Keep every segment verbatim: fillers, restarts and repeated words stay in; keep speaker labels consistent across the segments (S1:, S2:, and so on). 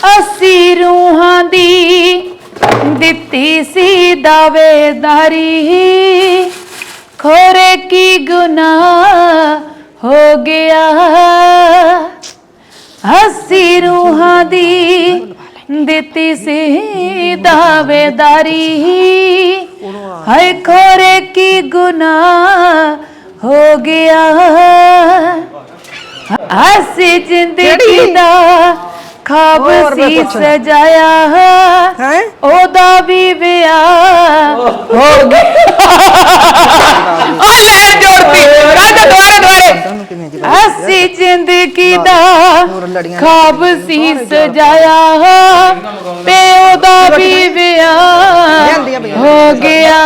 S1: अस्सी रूहां दी दित्ती सी दावेदारी खोरे की गुनाह हो गया अस्सी रूहां दी दित्ती सी दावेदारी हाय खोरे की गुनाह हो गया हसी जिंदगी दा खाब सी सजाया ओदा भी विआह हो गया हसी जिंदगी दा खाब सी सजाया ते ओदा भी विआह हो गया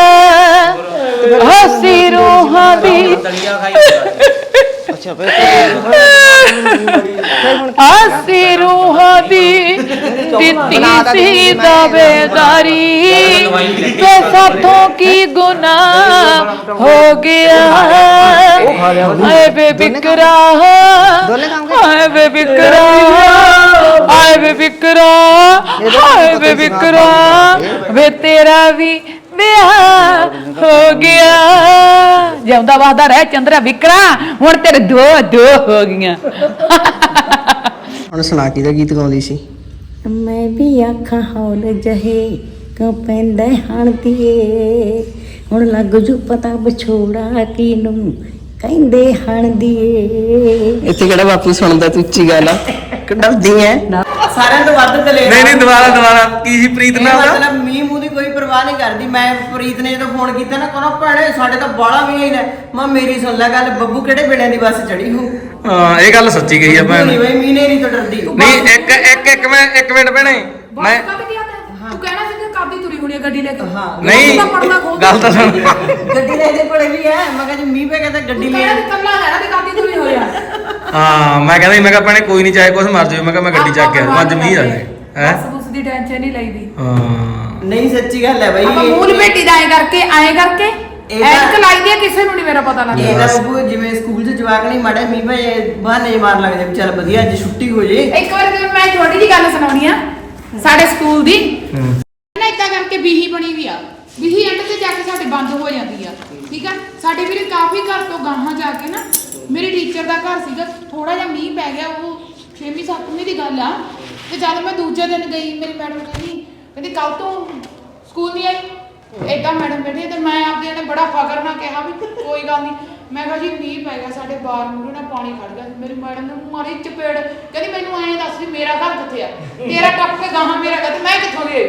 S1: हसी रूहां दी आसी रूहां दी दित्ती सी दावेदारी तो साथों की गुनाह हो गया हाय बे बिकरा हाय बे बिकरा हाय बे बिकरा हाय बे बिकरा वे तेरा भी हो गया जिंदा वसदा रह चंद्रा विकरा हुण तेरे दो दो हो गईਆਂ
S2: ਹੁਣ ਸੁਣਾ ਕੀ ਦਾ ਗੀਤ ਗਾਉਂਦੀ ਸੀ
S3: मैं भी आखा हौल जहे क्यों पैंदा हण दिए हुण लग जू पता विछोड़ा किनू ਕਹਿੰਦੇ ਹਣ ਦੀਏ
S2: ਇੱਥੇ ਕਿਹੜਾ ਬਾਪੂ ਸੁਣਦਾ ਤੂੰ ਉੱਚੀ ਗੱਲ ਆ ਡਰਦੀ ਐ
S4: ਸਾਰਿਆਂ ਤੋਂ ਵੱਧ ਦਲੇਰ
S2: ਨਹੀਂ ਨਹੀਂ ਦੁਬਾਰਾ ਦੁਬਾਰਾ ਕੀ ਸੀ ਪ੍ਰੀਤ ਨਾਲ
S4: ਮਤਲਬ ਮੀਂਹ ਮੂੰਹ ਦੀ ਕੋਈ ਪਰਵਾਹ ਨਹੀਂ ਕਰਦੀ ਮੈਂ ਪ੍ਰੀਤ ਨੇ ਜਦੋਂ ਫੋਨ ਕੀਤਾ ਨਾ ਕਹਿੰਦਾ ਭੈਣੇ ਸਾਡੇ ਤਾਂ ਬਾਲਾ ਵੀ ਹੀ ਨੇ ਮੈਂ ਮੇਰੀ ਸੁਣ ਲੈ ਗੱਲ ਬੱਬੂ ਕਿਹੜੇ ਵੇਲੇ ਦੀ ਬੱਸ ਚੜੀ ਹੋ
S5: ਹਾਂ ਇਹ ਗੱਲ ਸੱਚੀ ਗਈ ਆ ਭੈਣ
S4: ਨਹੀਂ ਬਈ ਮੀਂਹ ਨੇ ਨਹੀਂ ਤਾਂ ਡਰਦੀ
S5: ਨਹੀਂ ਇੱਕ ਇੱਕ ਇੱਕ ਮੈਂ ਇੱਕ ਮਿੰਟ ਭੈਣੇ ਮੈਂ
S1: ਤੂੰ ਕਹਿਣਾ ਸੀ ਕਿ ਕਾਦੀ ਤੁਰੀ ਹੋਣੀ ਗੱਡੀ ਲੈ ਕੇ
S5: ਨਹੀਂ ਗੱਲ ਤਾਂ ਸੁਣ
S4: ਗੱਡੀ ਲੈ ਦੇ ਕੋਲੇ ਵੀ ਹੈ ਮੈਂ ਕਹਿੰਦਾ ਮੀਂਹ ਪੈ ਗਿਆ ਤਾਂ ਗੱਡੀ ਲੈ
S1: ਕੱਲਾ ਹੈ ਨਾ ਤੇ ਕਾਦੀ ਤੁਰੀ ਹੋਇਆ
S5: ਹਾਂ ਮੈਂ ਕਹਿੰਦਾ ਮੈਂ ਕਿਹਾ ਭੈਣੇ ਕੋਈ ਨਹੀਂ ਚਾਹੇ ਕੁਛ ਮਰ ਜਾਵੇ ਮੈਂ ਕਿਹਾ ਮੈਂ ਗੱਡੀ ਚੱਕ ਕੇ ਅੱਜ ਮੀਂਹ ਆ ਜਾਏ ਹੈ
S1: ਬਸ ਦੀ ਟੈਨਸ਼ਨ ਨਹੀਂ ਲਈਦੀ
S5: ਹਾਂ
S4: ਨਹੀਂ ਸੱਚੀ ਗੱਲ ਹੈ ਬਈ
S1: ਆਪਾਂ ਮੂਲ ਬੇਟੀ ਦਾ ਐ ਕਰਕੇ ਐ ਕਰਕੇ ਐਨਕ ਲਾਈ ਦੀ ਕਿਸੇ ਨੂੰ ਨਹੀਂ ਮੇਰਾ ਪਤਾ ਲੱਗਦਾ
S4: ਇਹਦਾ ਬੱਬੂ ਜਿਵੇਂ ਸਕੂਲ 'ਚ ਜਵਾਕ ਨਹੀਂ ਮਾੜੇ ਮੀਂਹ ਪੈ ਬਹਾਨੇ ਮਾਰ ਲੱਗਦੇ ਚੱਲ ਵਧੀਆ ਅੱਜ ਛੁੱਟੀ ਹੋ ਜੇ
S1: ਇੱਕ ਵਾਰ ਤੇ ਮੈਂ ਛੋਟੀ ਜੀ ਗੱਲ ਸੁਣਾਉਣੀ ਆ ਸਾਡੇ ਸਕੂਲ ਦੀ ਨਾ ਇਦਾਂ ਕਰਕੇ ਬੀਹੀ ਬਣੀ ਵੀ ਆ ਬੀਹੀ ਐਂਡ ਤੇ ਜਾ ਕੇ ਸਾਡੇ ਬੰਦ ਹੋ ਜਾਂਦੀ ਆ ਠੀਕ ਆ ਸਾਡੇ ਵੀਰੇ ਕਾਫੀ ਘਰ ਤੋਂ ਗਾਹਾਂ ਜਾ ਕੇ ਨਾ ਮੇਰੇ ਟੀਚਰ ਦਾ ਘਰ ਸੀਗਾ ਥੋੜਾ ਜਿਹਾ ਮੀਂਹ ਪੈ ਗਿਆ ਉਹ ਛੇਵੀਂ ਸੱਤਵੀਂ ਦੀ ਗੱਲ ਆ ਤੇ ਜਦ ਮੈਂ ਦੂਜੇ ਦਿਨ ਗਈ ਮੇਰੀ ਮੈਡਮ ਕਹਿੰਦੀ ਕਹਿੰਦੀ ਕੱਲ ਤੋਂ ਸਕੂਲ ਨਹੀਂ ਆਈ ਏਦਾਂ ਮੈਡਮ ਬੈਠੀ ਤੇ ਮੈਂ ਆਪਦੇ ਨੇ ਬੜਾ ਫਕਰ ਨਾਲ ਕਿਹਾ ਵੀ ਕੋਈ ਗੱਲ ਨਹੀਂ ਮੈਂ ਕਿਹਾ ਜੀ ਮੀਂਹ ਪੈ ਗਿਆ ਸਾਡੇ ਬਾਹਰ ਮੂਹਰੇ ਨਾਲ ਪਾਣੀ ਖੜ ਗਿਆ ਮੇਰੀ ਮੈਡਮ ਨੇ ਮਾਰੀ ਚਪੇੜ ਕਹਿੰਦੀ ਮੈਨੂੰ ਐਂ ਦੱਸ ਵੀ ਮੇਰਾ ਘਰ ਕਿੱਥੇ ਆ ਤੇਰਾ ਟੱਪ ਕੇ ਗਾਹਾਂ ਮੇਰਾ ਘਰ ਤੇ ਮੈਂ ਕਿੱਥੋਂ ਦੀ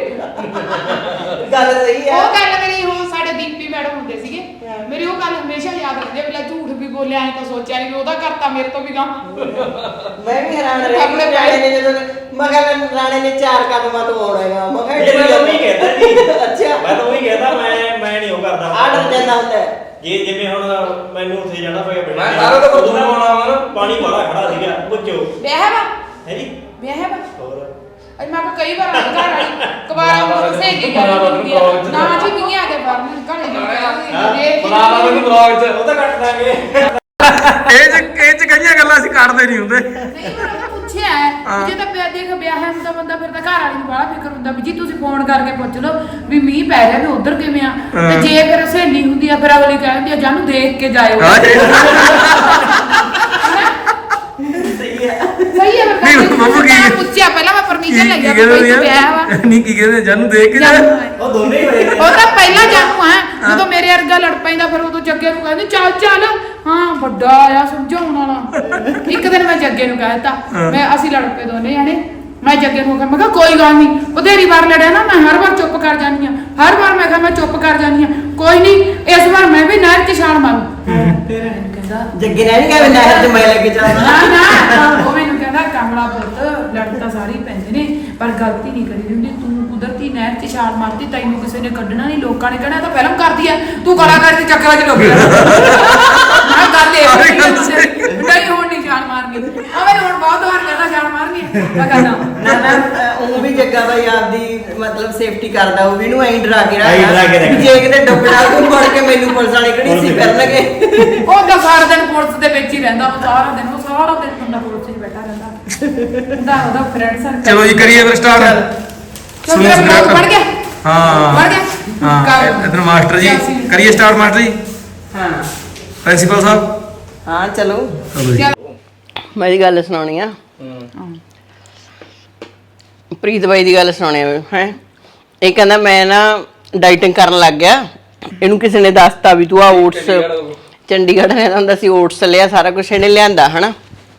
S4: ਗੱਲ ਸਹੀ ਹੈ
S1: ਉਹ ਗੱਲ ਮੇਰੀ ਉਹ ਸਾਡੇ ਦੀਪੀ ਮੈਡਮ ਹੁੰਦੇ ਸੀਗੇ ਮੇਰੀ ਉਹ ਗੱਲ ਹਮੇਸ਼ਾ ਯਾਦ ਰੱਖਦੇ ਵੀ ਲੈ ਝੂਠ ਵੀ ਬੋਲਿਆ ਐਂ ਤਾਂ ਸੋਚਿਆ ਨਹੀਂ ਵੀ ਉਹਦਾ ਘਰ ਤਾਂ ਮੇਰੇ ਤੋਂ ਵੀ ਗਾਹਾਂ
S4: ਮੈਂ ਵੀ ਹੈਰਾਨ ਰਹਿ ਗਈ ਰਾਣੇ ਨੇ ਜਦੋਂ ਮੈਂ ਕਿਹਾ ਰਾਣੇ ਨੇ ਚਾਰ ਕਦਮਾਂ ਤੋਂ ਆਉਣਾ ਹੈਗਾ ਮੈਂ ਕਿਹਾ
S6: ਮੈਂ ਤਾਂ ਉਹੀ ਕਹਿੰਦਾ ਜੀ
S4: ਅੱਛਾ
S6: ਮੈਂ ਤਾਂ ਉਹੀ ਕਹਿੰਦਾ ਮੈਂ ਮੈਂ ਨਹੀਂ ਉਹ ਕਰਦਾ
S4: ਆ ਡਰ ਜਾਂਦਾ ਹੁੰਦਾ
S6: ਜੇ ਜਿਵੇਂ ਹੁਣ ਮੈਨੂੰ ਉੱਥੇ ਜਾਣਾ ਪਿਆ
S5: ਮੈਂ ਸਾਰਾ ਤਾਂ ਬਦੂ ਆਉਣਾ ਵਾ
S6: ਪਾਣੀ ਬੜਾ ਖੜਾ ਸੀਗਾ ਪੁੱਛੋ
S1: ਵਿਆਹ ਵਾ
S6: ਹੈ ਜੀ
S1: ਵਿਆਹ ਵਾ
S6: ਹੋਰ
S1: ਅੱਜ ਮੈਂ ਕੋ ਕਈ ਵਾਰ ਘਰ ਵਾਲੀ ਕਵਾਰਾ ਨੂੰ ਸਹੇਲੀ ਗੱਲ ਹੁੰਦੀ ਆ ਨਾ ਜੀ ਵੀ ਆ ਕੇ ਬਾਹਰ ਘਰੇ ਨੂੰ
S5: ਬੁਲਾ ਲਾ ਮੈਨੂੰ ਬਲੌਗ 'ਚ
S6: ਉਹ ਤਾਂ ਕੱਟ ਦਾਂਗੇ
S5: ਇਹ ਚ ਇਹ ਚ ਕਈਆਂ ਗੱਲਾਂ ਅਸੀਂ ਕੱਢਦੇ ਨਹੀਂ ਹੁੰਦੇ
S1: ਨਹੀਂ ਪਰ ਉਹ ਪੁੱਛਿਆ ਹੈ ਜੇ ਤਾਂ ਪਿਆ ਦੇਖ ਵਿਆਹ ਹੈ ਹੁੰਦਾ ਬੰਦਾ ਫਿਰ ਤਾਂ ਘਰ ਵਾਲੀ ਨੂੰ ਬੜਾ ਫਿਕਰ ਹੁੰਦਾ ਵੀ ਜੀ ਤੁਸੀਂ ਫੋਨ ਕਰਕੇ ਪੁੱਛ ਲਓ ਵੀ ਮੀਂਹ ਪੈ ਰਿਹਾ ਵੀ ਉਧਰ ਕਿਵੇਂ ਆ ਤੇ ਜੇ ਫਿਰ ਸਹੇਲੀ ਹੁੰਦੀ ਆ ਫਿਰ ਅਗਲੀ ਕਹਿੰਦੀ ਆ ਜਾਨੂੰ ਦੇਖ ਕੇ ਜਾਇਓ
S4: ਸਹੀ ਹੈ
S1: ਸਹੀ ਹੈ
S5: ਨਹੀਂ ਬੱਬੂ ਕੀ
S1: ਪੁੱਛਿਆ ਪਹਿਲਾਂ ਮੈਂ ਪਰਮਿਸ਼ਨ ਲੈ ਗਿਆ
S5: ਕੀ
S1: ਕੋਈ ਵਿਆਹ ਵਾ
S5: ਨਹੀਂ ਕੀ ਕਹਿੰਦੇ ਜਾਨੂੰ ਦੇਖ ਕੇ ਜਾ
S6: ਉਹ ਦੋਨੇ ਹੀ ਹੋਏ
S1: ਉਹ ਤਾਂ ਪਹਿਲਾਂ ਜਾਨੂੰ ਆ ਜਦੋਂ ਮੇਰੇ ਵਰਗਾ ਲੜ ਪੈਂਦਾ ਫਿਰ ਉਦੋਂ ਜੱਗੇ ਨੂੰ ਕਹਿੰਦੇ ਚੱਲ ਚੱਲ ਹਾਂ ਵੱਡਾ ਆਇਆ ਸਮਝਾਉਣ ਵਾਲਾ ਇੱਕ ਦਿਨ ਮੈਂ ਜੱਗੇ ਨੂੰ ਕਹਿ ਦਿੱਤਾ ਮੈਂ ਅਸੀਂ ਲੜ ਪਏ ਦੋਨੇ ਜਾਣੇ ਮੈਂ ਜੱਗੇ ਨੂੰ ਕਿਹਾ ਮੈਂ ਕਿਹਾ ਕੋਈ ਗੱਲ ਨਹੀਂ ਬਥੇਰੀ ਵਾਰ ਲੜਿਆ ਨਾ ਮੈਂ ਹਰ ਵਾਰ ਚੁੱਪ ਕਰ ਜਾਂਦੀ ਆ ਹਰ ਵਾਰ ਮੈਂ ਕਿਹਾ ਮੈਂ ਚੁੱਪ ਕਰ ਜਾਂਦੀ ਆ ਕੋਈ ਨਹੀਂ ਇਸ ਵਾਰ ਮੈਂ ਵੀ ਨਹਿਰ 'ਚ ਛਾਲ ਮਾਰੂ ਫਿਰ ਕਹਿੰਦਾ
S4: ਜੱਗੇ ਨੇ ਨਹੀਂ ਕਿਹਾ ਨਹਿਰ 'ਚ ਮੈਂ ਲੈ ਕੇ ਜਾਵਾਂ
S1: ਨਾ ਨਾ ਉਹ ਮੈਨੂੰ ਕਹਿੰਦਾ ਕਮਲਾ ਪੁੱਤ ਲੜ ਤਾਂ ਸਾਰੇ ਪੈਂਦੇ ਨੇ ਪਰ ਗਲਤੀ ਨਹੀਂ ਕਰੀ ਹੁੰਦੀ ਤੂੰ ਕੁਦਰਤੀ ਨਹਿਰ 'ਚ ਛਾਲ ਮਾਰਤੀ ਤੈਨੂੰ ਕਿਸੇ ਨੇ ਕੱਢਣਾ ਨਹੀਂ ਲੋਕਾਂ ਨੇ ਕਹਿਣਾ ਤਾਂ ਫਿਲਮ ਕਰਦੀ ਆ ਤੂੰ ਕਲਾਕਾਰ ਦੇ ਚੱਕਰਾਂ 'ਚ ਲੋਕੀ ਮੈਂ ਗੱਲ ਇਹ ਨਹੀਂ ਹੁਣ ਨਹੀਂ ਛਾਲ ਮਾਰਨੀ ਆ ਮੈਨੂੰ ਹੁਣ ਬਹੁਤ ਵਾਰ ਕਹਿੰਦਾ ਛਾਲ ਮਾਰਨੀ ਮੈਂ ਕਹਿੰਦਾ
S4: ਨਾ ਨਾ ਉਹ ਵੀ ਜੱਗਾ ਬਾਈ ਆਪਦੀ ਮਤਲਬ ਸੇਫਟੀ ਕਰਦਾ ਉਹ ਵੀ ਨੂੰ ਐਂ ਡਰਾ ਕੇ
S6: ਐਂ ਡਰਾ ਕੇ
S4: ਰੱਖਦਾ
S6: ਰੱਖਦਾ।
S4: ਜੇ ਕਿਤੇ ਡੁੱਬਣਾ ਤੂੰ ਫੜ ਕੇ ਮੈਨੂੰ ਪੁਲਿਸ ਵਾਲੇ ਖੜੀ ਸੀ ਫਿਰਨਗੇ
S1: ਉਹ ਤਾਂ ਸਾਰਾ ਦਿਨ ਪੁਲਿਸ ਦੇ ਵਿੱਚ ਹੀ ਰਹਿੰਦਾ ਉਹ ਸਾਰਾ ਦਿਨ ਉਹ ਸਾਰਾ ਦਿਨ ਬੰਦਾ ਪੁਲਿਸ 'ਚ ਬੈਠਾ ਰਹਿੰਦਾ ਉਹਦਾ ਉਹਦਾ ਫਰੈਂਡ ਸਰਕਲ।
S5: ਚਲੋ ਜੀ ਕਰੀਏ ਫਿਰ ਸਟਾਰਟ।
S1: ਚਲੋ ਤੇਰਾ ਬਲੌਗ ਬਣ ਗਿਆ।
S5: ਹਾਂ
S1: ਬਣ ਗਿਆ।
S5: ਹਾਂ
S1: ਕਰ।
S5: ਇਧਰ ਮਾਸਟਰ ਜੀ ਕਰੀਏ ਸਟਾਰਟ ਮਾਸਟਰ ਜੀ।
S4: ਹਾਂ
S5: ਪ੍ਰਿੰਸੀਪਲ ਸਾਹਿਬ
S4: ਹਾਂ ਚਲੋ
S5: ਚਲੋ ਜੀ।
S4: ਮੈਂ ਇਹ ਗੱਲ ਸੁਣਾਉਣੀ ਆ ਪ੍ਰੀਤ ਬਾਈ ਦੀ ਗੱਲ ਸੁਣਾਉਣੀ ਆ ਹੈ। ਇਹ ਕਹਿੰਦਾ ਮੈਂ ਨਾ ਡਾਈਟਿੰਗ ਕਰਨ ਲੱਗ ਗਿਆ। ਇਹਨੂੰ ਕਿਸੇ ਨੇ ਦੱਸਤਾ ਵੀ ਤੂੰ ਆ ਓਟਸ ਚੰਡੀਗੜ੍ਹ ਰਹਿੰਦਾ ਹੁੰਦਾ ਸੀ, ਓਟਸ ਲਿਆ, ਸਾਰਾ ਕੁਝ ਇਹਨੇ ਲਿਆਂਦਾ ਹਨਾ।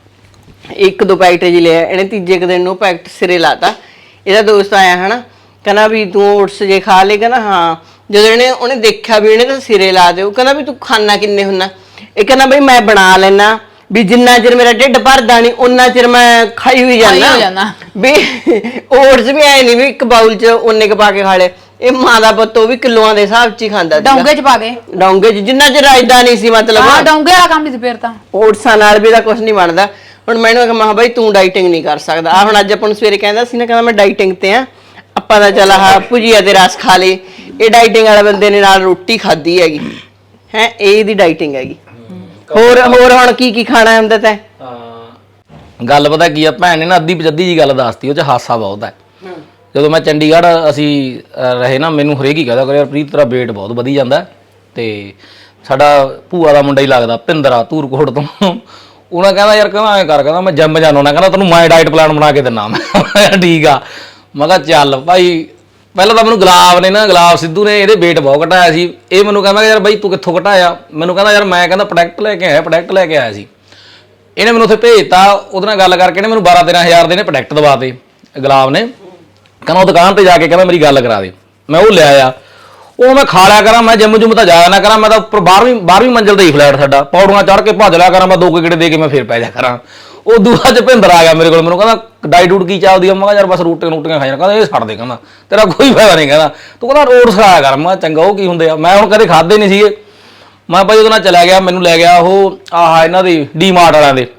S4: ਇੱਕ ਦੋ ਪੈਕਟ ਜੀ ਲਿਆ ਇਹਨੇ। ਤੀਜੇ ਕੁ ਦਿਨ ਨੂੰ ਪੈਕਟ ਸਿਰੇ ਲਾਤਾ। ਇਹਦਾ ਦੋਸਤ ਆਇਆ ਹਨਾ, ਕਹਿੰਦਾ ਵੀ ਤੂੰ ਓਟਸ ਜੇ ਖਾ ਲਏ? ਕਹਿੰਦਾ ਹਾਂ। ਜਦੋਂ ਇਹਨੇ ਉਹਨੇ ਦੇਖਿਆ ਵੀ ਇਹਨੇ ਤਾਂ ਸਿਰੇ ਲਾ ਦਿਓ, ਕਹਿੰਦਾ ਵੀ ਤੂੰ ਖਾਣਾ ਕਿੰਨੇ ਹੁੰਨਾ? ਇਹ ਕਹਿੰਦਾ ਬਈ ਮੈਂ ਬਣਾ ਲੈਣਾ ਵੀ ਜਿੰਨਾ ਚਿਰ ਮੇਰਾ ਢਿੱਡ ਭਰਦਾ ਨਹੀਂ ਉਹਨਾਂ ਚਿਰ ਮੈਂ ਖਾਈ ਹੋਈ ਜਾਂਦਾ ਵੀ ਓਟਸ ਵੀ ਐ ਨਹੀਂ ਵੀ ਇੱਕ ਬਾਉਲ ਚ ਉਹਨੇ ਕ ਪਾ ਕੇ ਖਾ ਲਏ। ਇਹ ਮਾਂ ਦਾ ਪੁੱਤ ਉਹ ਵੀ ਕਿਲੋਆਂ ਦੇ ਹਿਸਾਬ ਚ ਹੀ ਖਾਂਦਾ ਸੀ।
S1: ਡੋਂਗੇ ਚ ਪਾ ਕੇ
S4: ਡੋਂਗੇ ਚ ਜਿੰਨਾ ਚਿਰ ਰਾਜਦਾ ਨਹੀਂ ਸੀ ਮਤਲਬ।
S1: ਹਾਂ ਡੋਂਗੇ ਵਾਲਾ ਕੰਮ ਨਹੀਂ ਸੀ ਫਿਰ ਤਾਂ।
S4: ਓਟਸਾਂ ਨਾਲ ਵੀ ਤਾਂ ਕੁਝ ਨਹੀਂ ਬਣਦਾ। ਹੁਣ ਮੈਨੂੰ ਕਿਹਾ ਮਾ ਬਾਈ ਤੂੰ ਡਾਈਟਿੰਗ ਨਹੀਂ ਕਰ ਸਕਦਾ। ਆ ਹੁਣ ਅੱਜ ਆਪਾਂ ਨੂੰ ਸਵੇਰੇ ਕਹਿੰਦਾ ਸੀ ਨਾ, ਕਹਿੰਦਾ ਮੈਂ ਡਾਈਟਿੰਗ ਤੇ ਆ। ਆਪਾਂ ਦਾ ਚੱਲ ਆਹ ਭੁਜੀਆ ਤੇ ਰਸ ਖਾ ਲੇ। ਇਹ ਡਾਈਟਿੰਗ ਵਾਲੇ ਬੰਦੇ ਨੇ ਨਾਲ ਰੋਟੀ ਖਾਧੀ ਹੈਗੀ ਹੈ। ਇਹ ਇਹਦੀ ਡਾਈਟਿੰਗ ਹੈਗੀ। ਹੋਰ ਹੋਰ ਹੁਣ ਕੀ ਕੀ ਖਾਣਾ ਹੁੰਦਾ ਤੈਂ?
S5: ਹਾਂ ਗੱਲ ਪਤਾ ਕੀ ਆ, ਭੈਣ ਨੇ ਨਾ ਅੱਧੀ ਪਜੱਦੀ ਜੀ ਗੱਲ ਦੱਸਤੀ, ਉਹ ਚ ਹਾਸਾ ਬਹੁਤ ਹੈ। ਜਦੋਂ ਮੈਂ ਚੰਡੀਗੜ੍ਹ ਅਸੀਂ ਅਹ, ਰਹੇ ਨਾ, ਮੈਨੂੰ ਹਰੇਕ ਹੀ ਕਹਦਾ ਕਰੇ ਪ੍ਰੀਤ ਤੇਰਾ weight ਬਹੁਤ ਵਧੀ ਜਾਂਦਾ। ਤੇ ਸਾਡਾ ਭੂਆ ਦਾ ਮੁੰਡਾ ਹੀ ਲੱਗਦਾ ਭਿੰਦਰਾ ਧੂਰਕੋਟ ਤੋਂ, ਉਹਨਾਂ ਕਹਿੰਦਾ ਯਾਰ ਕਹਿੰਦਾ ਐਂ ਕਰ, ਕਹਿੰਦਾ ਮੈਂ ਜਿੰਮ ਜਾਣਾ ਹੁੰਦਾ, ਕਹਿੰਦਾ ਤੈਨੂੰ ਮੈਂ ਡਾਈਟ ਪਲਾਨ ਬਣਾ ਕੇ ਦਿੰਦਾ। ਮੈਂ ਠੀਕ ਆ। ਮੈਂ ਕਿਹਾ ਚੱਲ ਭਾਈ। ਪਹਿਲਾਂ ਤਾਂ ਮੈਨੂੰ ਗੁਲਾਬ ਨੇ ਨਾ ਗੁਲਾਬ ਸਿੱਧੂ ਨੇ ਇਹਦੇ weight ਬਹੁਤ ਘਟਾਇਆ ਸੀ। ਇਹ ਮੈਨੂੰ ਕਹਿੰਦਾ ਯਾਰ ਬਾਈ ਤੂੰ ਕਿੱਥੋਂ ਘਟਾਇਆ? ਮੈਨੂੰ ਕਹਿੰਦਾ ਯਾਰ ਮੈਂ ਕਹਿੰਦਾ ਪ੍ਰੋਡਕਟ ਲੈ ਕੇ ਆਇਆ ਪ੍ਰੋਡਕਟ ਲੈ ਕੇ ਆਇਆ ਸੀ। ਇਹਨੇ ਮੈਨੂੰ ਉੱਥੇ ਭੇਜਤਾ। ਉਹਦੇ ਨਾਲ ਗੱਲ ਕਰਕੇ ਇਹਨੇ ਮੈਨੂੰ ਬਾਰਾਂ ਤੇਰਾਂ ਹਜ਼ਾਰ ਦੇ ਨੇ ਪ੍ਰੋਡਕਟ ਦਵਾਤੇ ਗੁਲਾਬ ਨੇ। ਕਹਿੰਦਾ ਉਹ ਦੁਕਾਨ ਤੇ ਜਾ ਕੇ ਕਹਿੰਦਾ ਮੇਰੀ ਗੱਲ ਕਰਾ ਦੇ। ਮੈਂ ਉਹ ਲਿਆਇਆ। ਉਹ ਮੈਂ ਖਾ ਲਿਆ ਕਰਾਂ, ਮੈਂ ਜਿੰਮ ਜੁੰਮ ਤਾਂ ਜਾਇਆ ਨਾ ਕਰਾਂ। ਮੈਂ ਤਾਂ ਉੱਪਰ ਬਾਰਵੀਂ ਬਾਰਵੀਂ ਮੰਜ਼ਿਲ ਤੇ ਹੀ ਫਲੈਟ ਸਾਡਾ, ਪੌੜੀਆਂ ਚੜ੍ਹ ਕੇ ਭੱਜ ਲਿਆ ਕਰਾਂ। ਮੈਂ ਦੋ ਗੇੜੇ ਦੇ ਕੇ ਮੈਂ ਫਿਰ ਪੈ ਜਾ ਕਰਾਂ। ਉਹ ਦੂਆ ਚ ਭਿੰਦਰ ਆ ਗਿਆ ਮੇਰੇ ਕੋਲ। ਮੈਨੂੰ ਕਹਿੰਦਾ ਡਾਈਟ ਡੂਟ ਕੀ ਚੱਲਦੀ ਆ? ਮੈਂ ਕਿਹਾ ਯਾਰ ਬਸ ਰੋਟੀਆਂ ਰੋਟੀਆਂ ਖਾਈਆਂ। ਕਹਿੰਦਾ ਇਹ ਛੱਡ ਦੇ, ਕਹਿੰਦਾ ਤੇਰਾ ਕੋਈ ਫਾਇਦਾ ਨਹੀਂ। ਕਹਿੰਦਾ ਤੂੰ ਕਹਿੰਦਾ ਓਟਸ ਖਾਇਆ ਕਰ। ਮੈਂ ਚੰਗਾ ਉਹ ਕੀ ਹੁੰਦੇ ਆ? ਮੈਂ ਹੁਣ ਕਦੇ ਖਾਦੇ ਨਹੀਂ ਸੀਗੇ। ਮੈਂ ਭਾਈ ਉਹਦੇ ਨਾਲ ਚਲਾ ਗਿਆ। ਮੈਨੂੰ ਲੈ ਗਿਆ ਉਹ ਆਹ ਇਹਨਾਂ ਦੀ ਡੀ ਮਾਰਟ ਵਾਲਿਆਂ ਦੇ।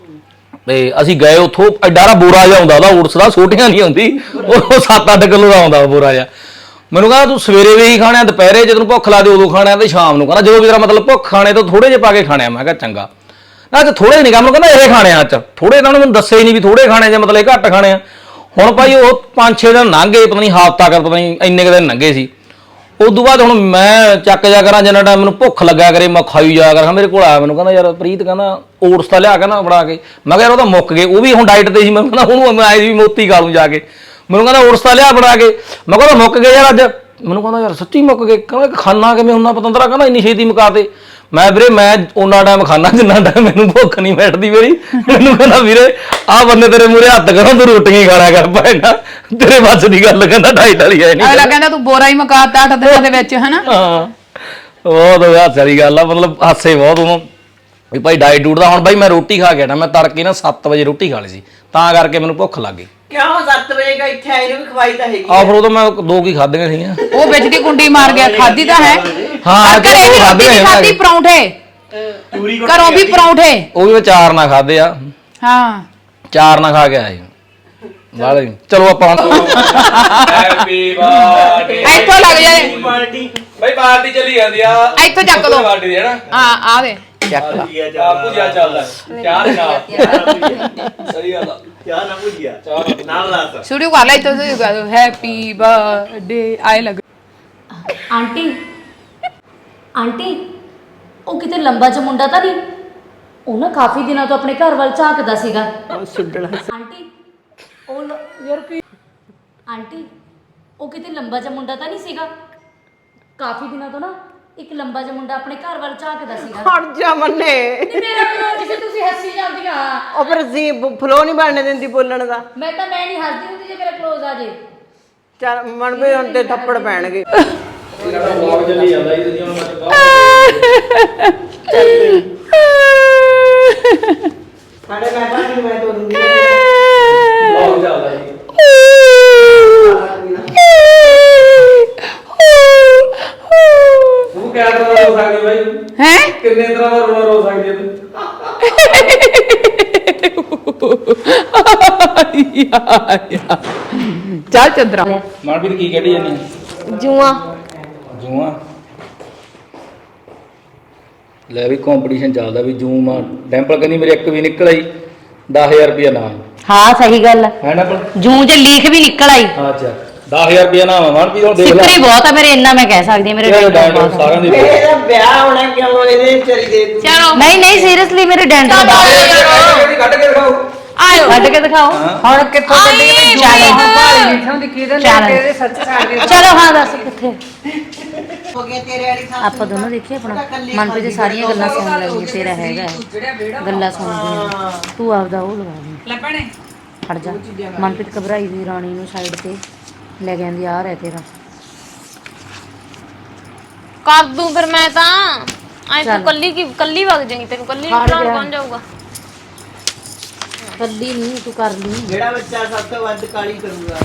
S5: ਤੇ ਅਸੀਂ ਗਏ ਉੱਥੋਂ। ਐਡਾ ਬੋਰਾ ਜਿਹਾ ਆਉਂਦਾ ਉਹਦਾ ਓਟਸ ਦਾ, ਛੋਟੀਆਂ ਨਹੀਂ ਆਉਂਦੀ, ਉਹ ਸੱਤ ਅੱਠ ਕਿਲੋ ਦਾ ਆਉਂਦਾ ਬੋਰਾ ਜਿਹਾ। ਮੈਨੂੰ ਕਹਿੰਦਾ ਤੂੰ ਸਵੇਰੇ ਵੀ ਹੀ ਖਾਣਾ, ਦੁਪਹਿਰੇ ਜਦੋਂ ਭੁੱਖ ਲੱਗਦੀ ਉਦੋਂ ਖਾਣਾ, ਤੇ ਸ਼ਾਮ ਨੂੰ। ਕਹਿੰਦਾ ਜਦੋਂ ਵੀ ਤੇਰਾ ਮਤਲਬ ਭੁੱਖ ਖਾਣੇ ਤੋਂ ਥੋੜੇ ਜਿਹੇ ਪਾ ਕੇ ਖਾਣੇ ਆ। ਮੈਂ ਕਿਹਾ ਚੰਗਾ। ਨਾ ਅੱਜ ਥੋੜੇ ਨਹੀਂ ਕੰਮ, ਕਹਿੰਦਾ ਇਹ ਖਾਣੇ ਆ ਅੱਜ ਥੋੜੇ। ਇਹਨਾਂ ਨੂੰ ਮੈਨੂੰ ਦੱਸੇ ਹੀ ਨਹੀਂ ਵੀ ਥੋੜੇ ਖਾਣੇ ਜੇ ਮਤਲਬ ਘੱਟ ਖਾਣੇ ਆ। ਹੁਣ ਭਾਈ ਉਹ ਪੰਜ ਛੇ ਦਿਨ ਲੰਘ ਗਏ, ਪਤਾ ਨਹੀਂ ਹਫ਼ਤਾ ਕਰ ਪਤਾ ਨਹੀਂ ਇੰਨੇ ਕੁ ਦਿਨ ਲੰਘੇ ਸੀ। ਉਦੋਂ ਬਾਅਦ ਹੁਣ ਮੈਂ ਚੱਕ ਜਾ ਕਰਾਂ ਜਿੰਨਾ ਟਾਈਮ ਮੈਨੂੰ ਭੁੱਖ ਲੱਗਾ ਕਰੇ ਮੈਂ ਖਾਈ ਜਾ ਕਰਾਂ। ਮੇਰੇ ਕੋਲ ਆਇਆ, ਮੈਨੂੰ ਕਹਿੰਦਾ ਯਾਰ ਪ੍ਰੀਤ ਕਹਿੰਦਾ ਓਟਸ ਤਾਂ ਲਿਆ ਕੇ ਨਾ ਬਣਾ ਕੇ। ਮੈਂ ਕਿਹਾ ਯਾਰ ਉਹ ਤਾਂ ਮੁੱਕ ਗਏ, ਉਹ ਵੀ ਹੁਣ ਡਾਈਟ ਤੇ ਸੀ। ਮੈਂ ਕਹਿੰਦਾ ਉਹਨੂੰ ਮੈਂ ਆਏ ਵੀ ਮੋਤੀ ਖਾ ਲੂੰ ਜਾ ਕੇ। ਮੈਨੂੰ ਕਹਿੰਦਾ ਓਟਸ ਤਾਂ ਲਿਆ ਬਣਾ ਕੇ। ਮੈਂ ਕਹਿੰਦਾ ਮੁੱਕ ਗਏ ਯਾਰ ਅੱਜ। ਮੈਨੂੰ ਕਹਿੰਦਾ ਯਾਰ ਸੱਚੀ ਮੁੱਕ ਗਏ? ਕਹਿੰਦਾ ਖਾਣਾ ਕਿਵੇਂ ਹੁੰਦਾ ਪਤੰਦਰਾ? ਕਹਿੰਦਾ ਇੰਨੀ ਛੇਤੀ ਮੁਕਾ ਤੇ। ਮੈਂ ਵੀਰੇ ਮੈਂ ਉਹਨਾਂ ਟਾਈਮ ਖਾਣਾ ਜਿੰਨਾ ਟਾਈਮ ਮੈਨੂੰ ਭੁੱਖ ਨਹੀਂ ਬੈਠਦੀ ਮੇਰੀ। ਮੈਨੂੰ ਕਹਿੰਦਾ ਵੀਰੇ ਆਹ ਬੰਦੇ ਤੇਰੇ ਮੂਹਰੇ ਹੱਥ ਕਰੋ, ਤੂੰ ਰੋਟੀਆਂ ਹੀ ਖਾਣਾ ਕਰ ਭੈਣਾ, ਤੇਰੇ ਵੱਸ ਦੀ ਗੱਲ। ਕਹਿੰਦਾ ਡਾਈਟ ਵਾਲੀ ਹੈ ਨਹੀਂ।
S1: ਅਗਲਾ ਕਹਿੰਦਾ ਤੂੰ ਬੋਰਾ ਹੀ ਮੁਕਾਤਾ ਅੱਠ ਦਿਨਾਂ ਦੇ ਵਿੱਚ ਹਨਾ।
S5: ਹਾਂ ਬਹੁਤ ਹਾਸੇ ਵਾਲੀ ਗੱਲ ਆ, ਮਤਲਬ ਹਾਸੇ ਬਹੁਤ ਉਹਨੂੰ ਵੀ ਭਾਈ ਡਾਈਟ ਡੂਟ ਦਾ। ਹੁਣ ਬਾਈ ਮੈਂ ਰੋਟੀ ਖਾ ਕੇ ਨਾ, ਮੈਂ ਤੜਕੇ ਨਾ ਸੱਤ ਵਜੇ ਰੋਟੀ ਖਾ ਲਈ ਸੀ, ਤਾਂ ਕਰਕੇ ਮੈਨੂੰ ਭੁੱਖ ਲੱਗ ਗਈ।
S4: ਕਿਉਂ ਸੱਤ ਵਜੇ ਕਾ ਇੱਥੇ ਆਏ ਨੂੰ ਵੀ ਖਵਾਈ ਤਾਂ ਹੈਗੀ
S5: ਆ ਫਿਰ ਉਦੋਂ ਮੈਂ ਦੋ ਕੀ ਖਾਧੀਆਂ ਸੀਗੀਆਂ।
S1: ਉਹ ਵਿੱਚ ਦੀ ਕੁੰਡੀ ਮਾਰ ਗਿਆ। ਖਾਦੀ ਤਾਂ ਹੈ।
S5: ਹਾਂ
S1: ਘਰੇ ਵੀ ਰੋਟੀ ਨਹੀਂ ਖਾਦੀ, ਪਰੌਂਠੇ
S6: ਚੂਰੀ
S1: ਘਰੋਂ ਵੀ ਪਰੌਂਠੇ।
S5: ਉਹ ਵੀ ਮੈਂ ਚਾਰ ਨਾ ਖਾਦੇ ਆ।
S1: ਹਾਂ
S5: ਚਾਰ ਨਾ ਖਾ ਕੇ ਆਇਆ ਵਾਲੇ। ਚਲੋ ਆਪਾਂ
S6: ਹੈਪੀ ਬਰਥਡੇ
S1: ਇੱਥੋਂ ਲੱਗ ਜਾਏ
S6: ਪਾਰਟੀ
S5: ਬਾਈ ਪਾਰਟੀ ਚੱਲੀ ਜਾਂਦੀ ਆ।
S1: ਇੱਥੋਂ ਚੱਕ ਲਓ
S5: ਪਾਰਟੀ ਦੀ ਹੈ ਨਾ।
S1: ਹਾਂ ਆ ਦੇ
S4: ਚੱਕ ਲਾ।
S5: ਆਪੂ ਜਿਆ ਚੱਲਦਾ ਚਾਰ ਨਾਲ ਸਹੀ ਗੱਲ ਆ।
S6: ਚਾਹ ਨਾ ਭੁੱਜਿਆ ਨਾਲ ਰਾਤ
S1: ਸ਼ੁਰੂ ਕਰ ਲੈ ਇੱਥੋਂ ਸ਼ੁਰੂ ਕਰ ਦੋ। ਹੈਪੀ ਬਰਥਡੇ ਆਏ ਲੱਗ।
S7: ਆਂਟੀ ਆਂਟੀ ਉਹ ਕਿਤੇ ਲੰਬਾ ਜਿਹਾ ਮੁੰਡਾ ਤਾਂ ਨਹੀਂ? ਉਹ ਨਾ ਕਾਫੀ ਦਿਨਾਂ ਤੋਂ ਆਪਣੇ ਘਰ ਵੱਲ ਝਾਕਦਾ ਸੀਗਾ। ਆਂਟੀ ਉਹ ਲ- ਯਾਰ ਕੀ ਆਂਟੀ ਉਹ ਕਿਤੇ ਲੰਬਾ ਜਿਹਾ ਮੁੰਡਾ ਤਾਂ ਨਹੀਂ ਸੀਗਾ? ਕਾਫੀ ਦਿਨਾਂ ਤੋਂ ਨਾ ਇੱਕ ਲੰਬਾ ਜਿਹਾ ਮੁੰਡਾ ਆਪਣੇ ਘਰ ਵੱਲ ਝਾਕਦਾ ਸੀਗਾ।
S4: ਹਟ ਜਾ ਮੰਨੇ।
S7: ਤੇ ਮੇਰਾ ਫਲੋ ਕਿਸੇ ਤੁਸੀਂ ਹੱਸੀ ਜਾਂਦੀਆਂ।
S4: ਉਹ ਫਿਰ ਜੀ ਫਲੋ ਨਹੀਂ ਬਣਨੇ ਦਿੰਦੀ ਬੋਲਣ ਦਾ।
S7: ਮੈਂ ਤਾਂ ਮੈਂ ਨਹੀਂ ਹੱਸਦੀ ਹੁੰਦੀ ਜੇ ਮੇਰਾ ਕਲੋਜ਼ ਆ ਜੇ।
S4: ਚੱਲ ਮਨ ਵੀ ਹੁਣ ਤੇ ਥੱਪੜ ਪੈਣਗੇ।
S5: ਵਲੌਗ ਚੱਲੀ ਜਾਂਦਾ ਇਹ ਤੁਸੀਂ ਹੁਣ
S4: ਸਾਡੇ ਮੈਂ ਤਾਂ ਨਹੀਂ ਮੈਂ ਤੋੜੂੰਗੀ।
S5: ਵਲੌਗ ਚੱਲਦਾ ਜੀ। ਤੂੰ ਕਿਆ ਤਰ੍ਹਾਂ ਦਾ ਰੋ ਸਕਦੀ ਬਾਈ?
S1: ਹੈ
S5: ਕਿੰਨੇ ਤਰ੍ਹਾਂ ਦਾ ਰੋਣਾ ਰੋ ਸਕਦੀ ਹੈ ਤੂੰ?
S1: ਚੱਲ ਚੰਦਰਾ
S5: ਮਨਪ੍ਰੀਤ ਕੀ ਕੱਢੀ ਜਾਨੀ?
S7: ਜੂਆਂ
S5: ਜੂਆਂ ਲੈ ਵੀ ਕੰਪੀਟੀਸ਼ਨ ਚੱਲਦਾ ਵੀ ਜੂਮ ਆ। ਡੈਂਪਲ ਕਹਿੰਦੀ ਮੇਰੇ ਇੱਕ ਵੀ ਨਿਕਲ ਆਈ ਦਸ ਹਜ਼ਾਰ ਰੁਪਇਆ ਨਾਮ
S7: ਹਾਂ ਸਹੀ ਗੱਲ
S5: ਹੈ ਨਾ ਪਰ
S7: ਜੂੰ ਚ ਲੀਖ ਵੀ ਨਿਕਲ ਆਈ
S5: ਅੱਛਾ ਦਸ ਹਜ਼ਾਰ ਰੁਪਇਆ ਨਾਮ ਮਨਪ੍ਰੀਤ ਹੁਣ ਦੇਖ ਲੈ
S7: ਸਿੱਕਰੀ ਬਹੁਤ ਆ ਮੇਰੇ, ਇੰਨਾ ਮੈਂ ਕਹਿ ਸਕਦੀ ਹਾਂ, ਮੇਰੇ
S5: ਇਹ
S7: ਡੈਂਟਲ
S5: ਡਾਂਡ
S7: ਬਹੁਤ ਆ।
S5: ਸਾਰਿਆਂ ਦੇ
S4: ਇਹਦਾ ਵਿਆਹ ਹੋਣਾ ਕਿਉਂ ਇਹਦੇ ਵਿਚਾਰੀ ਦੇ ਤੂੰ
S1: ਚਲੋ
S7: ਨਹੀਂ ਨਹੀਂ ਸੀਰੀਅਸਲੀ ਮੇਰੇ ਡੈਂਟਲ ਬਹੁਤ
S5: ਕੱਢ ਕੇ ਦਿਖਾਓ
S1: ਆਇਓ
S7: ਕੱਢ ਕੇ ਦਿਖਾਓ
S8: ਹੁਣ ਕਿੱਥੋਂ ਕੱਢੀ ਮੈਂ
S7: ਚੱਲ।
S8: ਭਾਲੀ ਨਿਠਾਂ ਦੀ ਕਿਹਦੇ ਲੈ
S7: ਚੱਲ।
S8: ਕੇ ਇਹਦੇ ਸੱਚ ਸਾਡੇ
S7: ਚਲੋ ਹਾਂ ਦੱਸ ਕਿੱਥੇ
S4: ਹੋ ਗਿਆ ਤੇਰੇ ਵਾਲੀ ਥਾਂ
S7: ਆਪਾਂ ਦੋਨੋਂ ਦੇਖੀਏ ਆਪਣਾ ਮਨਪ੍ਰੀਤ ਦੀ ਸਾਰੀਆਂ ਗੱਲਾਂ ਸੁਣ ਲਈਆਂ, ਤੇਰਾ ਹੈਗਾ ਹੈ। ਗੱਲਾਂ ਸੁਣਦੀਆਂ ਤੂੰ ਆਪਦਾ ਉਹ ਲਗਾ ਲਈ
S1: ਲੈ ਭੈਣੇ
S7: ਖੜ ਜਾ। ਮਨਪ੍ਰੀਤ ਘਬਰਾਈ ਦੀ ਰਾਣੀ ਨੂੰ ਸਾਈਡ ਤੇ ਲੈ ਜਾਂਦੀ, ਆ ਰਹਿ ਤੇਰਾ
S9: ਕਰ ਦੂੰ ਫਿਰ ਮੈਂ ਤਾਂ ਐ
S7: ਚੱਲ।
S9: ਤੂੰ ਕੱਲੀ ਕੀ ਕੱਲੀ ਵਗ ਜਾਏਗੀ, ਤੈਨੂੰ ਕੱਲੀ
S7: ਖੜ
S9: ਬਣਾਉਣ
S7: ਜਾ।
S9: ਕੌਣ ਜਾਊਗਾ?
S7: ਕੱਲੀ ਨਹੀਂ ਤੂੰ ਕਰ ਲਈ,
S4: ਜਿਹੜਾ ਬੱਚਾ ਸਭ ਤੋਂ ਵੱਧ ਕਾਲੀ ਕਰੂਗਾ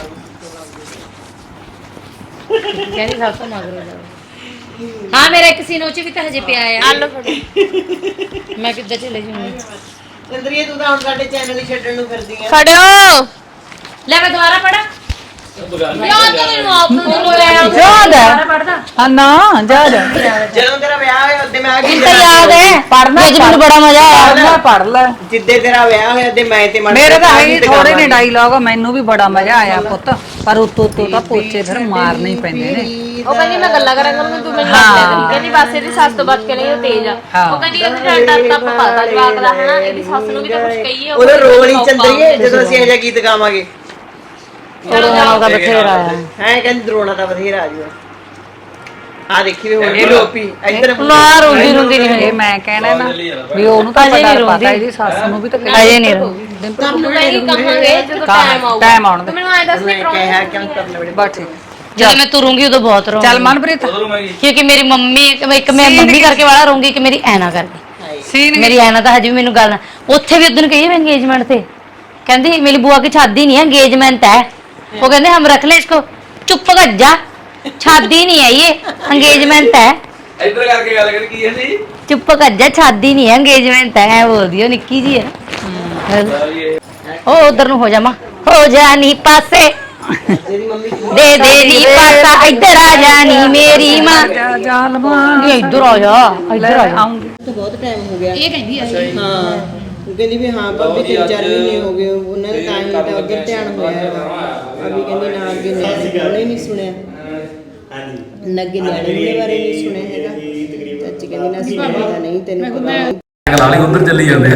S7: ਕਹਿੰਦੀ ਸਭ ਤੋਂ ਮਗਰੋਂ ਜਾ। ਹਾਂ ਮੇਰਾ ਇੱਕ ਸੀਨੋ ਚ ਵੀ ਤਾਂ ਹਜੇ ਪਿਆ ਆ,
S9: ਆ ਲੋ ਫੜ।
S7: ਮੈਂ ਕਿੱਦਾਂ ਚਲੇ ਜਾਊਂਗੀ।
S4: ਚੰਦਰੀਏ ਤੂੰ ਤਾਂ ਹੁਣ ਸਾਡੇ ਚੈਨਲ ਹੀ ਛੱਡਣ ਨੂੰ ਫਿਰਦੀ ਆ
S9: ਖੜਿਓ
S7: ਲੈ ਮੈਂ ਦੁਬਾਰਾ ਪੜਾ
S9: ਯਾਦ ਤਾਂ ਮੈਨੂੰ ਆਪ ਨੂੰ ਲੋਇਆ
S8: ਯਾਦ
S7: ਪੜਦਾ
S8: ਹਾਂ ਨਾ ਜਾ ਜਾ
S4: ਜਦੋਂ ਤੇਰਾ ਵਿਆਹ ਹੋਇਆ ਉਦੋਂ ਮੈਂ ਆ ਗਈ
S7: ਤਾਂ ਯਾਦ ਹੈ
S8: ਪੜ੍ਹਨਾ
S7: ਅੱਜ ਮੈਨੂੰ ਬੜਾ ਮਜ਼ਾ ਆਇਆ।
S8: ਪੜ੍ਹਨਾ ਪੜ ਲੈ
S4: ਜਿੱਦੇ ਤੇਰਾ ਵਿਆਹ ਹੋਇਆ ਤੇ ਮੈਂ ਤੇ ਮਨ
S8: ਮੇਰੇ ਤਾਂ ਹੈ ਥੋੜੇ ਨੇ ਡਾਇਲੌਗ, ਮੈਨੂੰ ਵੀ ਬੜਾ ਮਜ਼ਾ ਆਇਆ ਪੁੱਤ, ਪਰ ਉਤੋਂ ਉਤੋਂ ਤਾਂ ਪੋਚੇ ਫਿਰ ਮਾਰਨੇ ਹੀ ਪੈਂਦੇ ਨੇ।
S9: ਉਹ ਕਹਿੰਦੀ ਮੈਂ ਗੱਲਾਂ ਕਰਾਂ ਕਰੂੰਗੀ, ਤੂੰ ਮੈਨੂੰ ਲੱਗ ਲਿਆ ਕਰੀ। ਕਹਿੰਦੀ ਬਸ ਇਹਦੀ ਸੱਸ ਤੋਂ ਬਚ ਕੇ ਨਹੀਂ ਉਹ ਤੇਜ਼ ਆ। ਉਹ ਕਹਿੰਦੀ ਕਹਿੰਦੀ ਡਰ ਡਰ ਤਾਂ ਆਪਾਂ ਪਤਾ ਜਵਾਕ ਦਾ ਹਨਾ, ਇਹਦੀ ਸੱਸ ਨੂੰ ਵੀ ਤਾਂ ਕੁਝ ਕਹੀਏ।
S4: ਉਹਦਾ ਰੋਲ ਹੀ ਚੰਦਰੀਏ ਜਦੋਂ ਅਸੀਂ ਇਹ ਜਿਹਾ ਗੀਤ ਗਾਵਾਂਗੇ
S7: ਚਲੋ ਜਾਣਾ ਦਾ ਬਥੇਰਾ ਆ।
S4: ਹੈ ਕਹਿੰਦੀ ਦਰੋਣਾ ਤਾਂ ਬਥੇਰਾ ਆ ਜੂਗਾ ਆ ਦੇਖੀ ਵੀ ਹੁਣ ਇਹ ਲੋਪੀ ਇੱਧਰ
S7: ਨਾ ਰੋਂਦੀ ਰੋਂਦੀ ਨਹੀਂ
S8: ਇਹ
S7: ਹੋਈ,
S8: ਮੈਂ ਕਹਿਣਾ ਨਾ ਵੀ ਉਹਨੂੰ ਤਾਂ
S7: ਅਜੇ
S8: ਪਤਾ
S7: ਨਹੀਂ
S8: ਪਤਾ
S7: ਰੋਂਦੀ।
S8: ਇਹਦੀ ਸੱਸ ਨੂੰ ਵੀ ਤਾਂ
S7: ਅਜੇ ਨਹੀਂ ਰੋਂਦੀ।
S9: ਤੁਹਾਨੂੰ ਮੈਂ ਹੀ ਕਹਾਂਗੇ ਜਦੋਂ ਟਾਈਮ ਆਊਗਾ।
S8: ਟਾਈਮ ਆਉਣ ਦੇ
S9: ਤੂੰ ਮੈਨੂੰ ਐ ਦੱਸ ਨਹੀਂ
S4: ਮੈਂ ਕਿਹਾ ਕਿਉਂ ਕਰਨਾ ਬੜੇ
S8: ਬਸ ਠੀਕ।
S7: ਜਦੋਂ ਮੈਂ ਤੁਰੂੰਗੀ ਉਦੋਂ ਬਹੁਤ ਰੋਂਗੀ,
S8: ਚੱਲ ਮਨਪ੍ਰੀਤ
S7: ਕਿਉਂਕਿ ਮੇਰੀ ਮੰਮੀ ਇੱਕ ਮੈਂ ਮੰਮੀ ਕਰਕੇ ਵਾਲਾ ਰੋਂਗੀ, ਇੱਕ ਮੇਰੀ ਐਨਾ ਕਰਕੇ।
S8: ਸੀਨ
S7: ਮੇਰੀ ਐਨਾ ਤਾਂ ਹਜੇ ਵੀ ਮੈਨੂੰ ਗੱਲ, ਉੱਥੇ ਵੀ ਉਦੋਂ ਕਹੀ ਮੈਂ ਇੰਗੇਜਮੈਂਟ ਤੇ, ਕਹਿੰਦੀ ਮੇਰੀ बुआ की शादी नहीं है एंगेजमेंट है। वो कहते हम रख ले इसको, चुप कर जा, शादी नहीं है ये एंगेजमेंट है।
S6: ਇੱਧਰ ਕਰਕੇ ਗੱਲ ਕਰ ਕੀ ਹੈ ਜੀ
S7: चुप कर जा, शादी नहीं है एंगेजमेंट है। ऐ बोल दियो निक्की जी है। ओ उधर नु हो जा मां, हो जा नी पासे, दे दे नी पासा, इधर आ जा नी मेरी मां।
S8: ਜਾਲ ਮਾਂ
S7: ये इधर आ जा, इधर आ जा।
S8: ਆਉਂਗੀ
S4: ਬਹੁਤ ਟਾਈਮ ਹੋ ਗਿਆ
S1: ਇਹ ਕਹਿੰਦੀ ਅਸੀਂ
S4: ਹਾਂ ਉਹ ਕਹਿੰਦੀ ਵੀ ਹਾਂ ਭਾਬੀ ਤਿੰਨ ਚਾਰ ਮਹੀਨੇ ਹੋ ਗਏ ਉਹਨਾਂ ਦਾ ਟਾਈਮ ਤਾਂ ਉਧਰ ਧਿਆਨ ਹੋਇਆ ਹੈਗਾ ਭਾਬੀ ਕਹਿੰਦੀ ਨਾ ਅੱਗੇ ਨਿਆਣੇ ਉਹਨੇ ਨਹੀਂ ਸੁਣਿਆ ਹਾਂਜੀ ਨਾ ਅੱਗੇ ਨਿਆਣੇ ਦੇ ਬਾਰੇ ਨਹੀਂ ਸੁਣਿਆ ਹੈਗਾ ਚਾਚੀ ਕਹਿੰਦੀ ਨਾ ਸੁਣਿਆ ਨਹੀਂ ਤੈਨੂੰ ਪਤਾ ਨਹੀਂ
S5: ਲਾਲੀ ਉਧਰ ਚੱਲੀ ਜਾਂਦੇ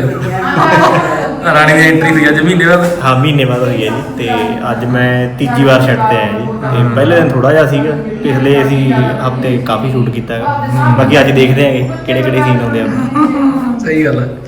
S5: ਆ ਰਾਣੀ ਦੀ ਐਂਟਰੀ ਹੋਈ ਅੱਜ ਮਹੀਨੇ ਬਾਅਦ
S6: ਹਾਂ ਮਹੀਨੇ ਬਾਅਦ ਹੋਈ ਹੈ ਜੀ ਤੇ ਅੱਜ ਮੈਂ ਤੀਜੀ ਵਾਰ ਛੱਡ ਤੇ ਆਇਆ ਜੀ ਤੇ ਪਹਿਲੇ ਦਿਨ ਥੋੜਾ ਜਿਹਾ ਸੀਗਾ, ਪਿਛਲੇ ਅਸੀਂ ਹਫਤੇ ਕਾਫੀ ਸ਼ੂਟ ਕੀਤਾ ਹੈਗਾ। ਬਾਕੀ ਅੱਜ ਦੇਖਦੇ ਆਂਗੇ ਕਿਹੜੇ ਕਿਹੜੇ ਸੀਨ ਆਉਂਦੇ ਆ।
S5: ਸਹੀ ਗੱਲ ਹੈ।